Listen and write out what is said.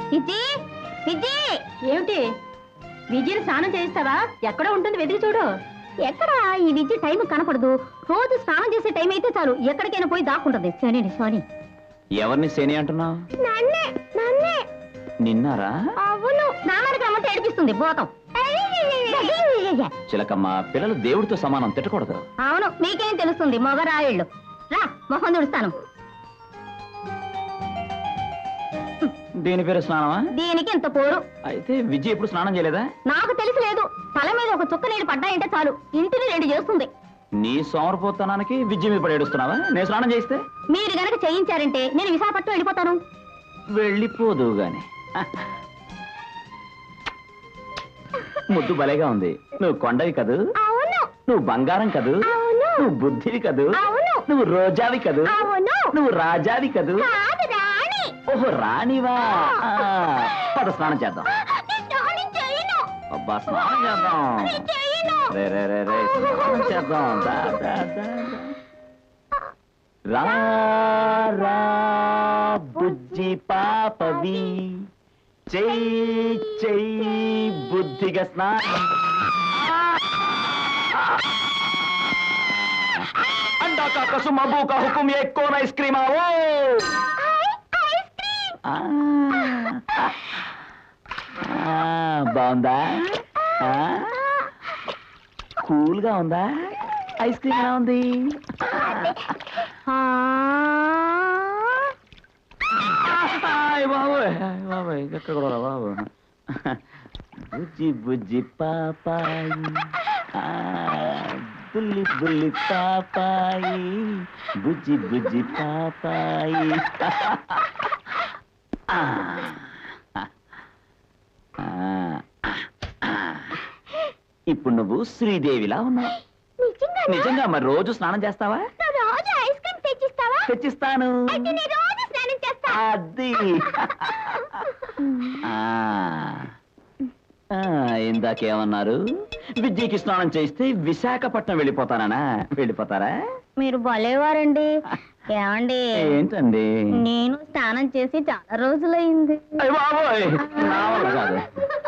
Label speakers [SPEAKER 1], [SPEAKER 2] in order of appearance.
[SPEAKER 1] విజి విజి ఏమిటి విజయని స్నానం చేయిస్తావా? ఎక్కడ ఉంటుంది వెతికి చూడు. ఎక్కడ ఈ విద్య టైం కనపడదు. రోజు స్నానం చేసే టైం అయితే చాలు ఎక్కడికైనా పోయి దాక్కుంటది. సోని సోని.
[SPEAKER 2] ఎవరిని శని అంటున్నావు? నిన్నారా?
[SPEAKER 1] అవును, స్నానానికి రమ్మంటే ఏడిపిస్తుంది భూతం.
[SPEAKER 2] చిలకమ్మ, పిల్లలు దేవుడితో సమానం, తిట్టకూడదు.
[SPEAKER 1] అవును, మీకేం తెలుస్తుంది మొగరాయిళ్ళు. రా మొహం తుడుస్తాను.
[SPEAKER 2] దీని పేరు స్నానమా?
[SPEAKER 1] దీనికి ఇంత పోరు.
[SPEAKER 2] అయితే విజయ్ ఎప్పుడు స్నానం చేయలేదా?
[SPEAKER 1] నాకు తెలిసి లేదు. తల మీద ఒక చుక్క నీళ్ళు పడ్డాయంటే చాలు ఇంటిని రెడీ చేస్తుంది.
[SPEAKER 2] నీ సోమరపోతనానికి విజయ్ మీద పడి ఏడుస్తున్నావా? నేను స్నానం చేస్తే?
[SPEAKER 1] మీరు గనక చేయించారంటే నేను విశాఖపట్నం వెళ్ళిపోతాను.
[SPEAKER 2] వెళ్ళిపోదు గాని. ముద్దు భలేగా ఉంది. నువ్వు కొండవి కదూ,
[SPEAKER 1] అవును.
[SPEAKER 2] నువ్వు బంగారం కదూ,
[SPEAKER 1] అవును.
[SPEAKER 2] నువ్వు బుద్ధివి కదూ,
[SPEAKER 1] అవును.
[SPEAKER 2] నువ్వు రోజావి కదూ,
[SPEAKER 1] అవును.
[SPEAKER 2] నువ్వు రాజావి కదూ.
[SPEAKER 1] కాదు, రాణి.
[SPEAKER 2] ఓహో, రాణివా? పద స్నానం చేద్దాం. అబ్బా, స్నానం చేద్దాం. రే రే రే రే, స్నానం చేద్దాం. దా, దా, దా, దా. రా రా బుజ్జి పాపవి, చెయ్యి చెయ్యి బుద్ధిగా స్నానం. अंडा का कसम अबू का हुक्म ये कौन आइसक्रीम आओ? బాగుందా? కూల్ గా ఉందా? ఐస్ క్రీమ్ ఎలా ఉంది? బాబోయ్, ఎక్కడ కూడా బాబు. బుజ్జి బుజ్జి పాపాయి, బుల్లి బుల్లి పాపాయి, బుజ్జి బుజ్జి పాపాయి. ఇప్పుడు నువ్వు శ్రీదేవిలా ఉన్నావు. నిజంగా? మరి రోజు స్నానం చేస్తావా?
[SPEAKER 1] రోజు ఐస్ క్రీమ్ తెచ్చిస్తావా?
[SPEAKER 2] తెచ్చిస్తాను.
[SPEAKER 1] రోజు స్నానం చేస్తా.
[SPEAKER 2] అది ఇందాకేమన్నారు? విద్యకి స్నానం చేస్తే విశాఖపట్నం వెళ్ళిపోతానా? వెళ్ళిపోతారా?
[SPEAKER 1] మీరు భలేవారండి. ఏమండి?
[SPEAKER 2] ఏంటండి?
[SPEAKER 1] నేను స్నానం చేసి చాలా రోజులైంది.
[SPEAKER 2] బాబోయ్, నా వల్ల కాదు.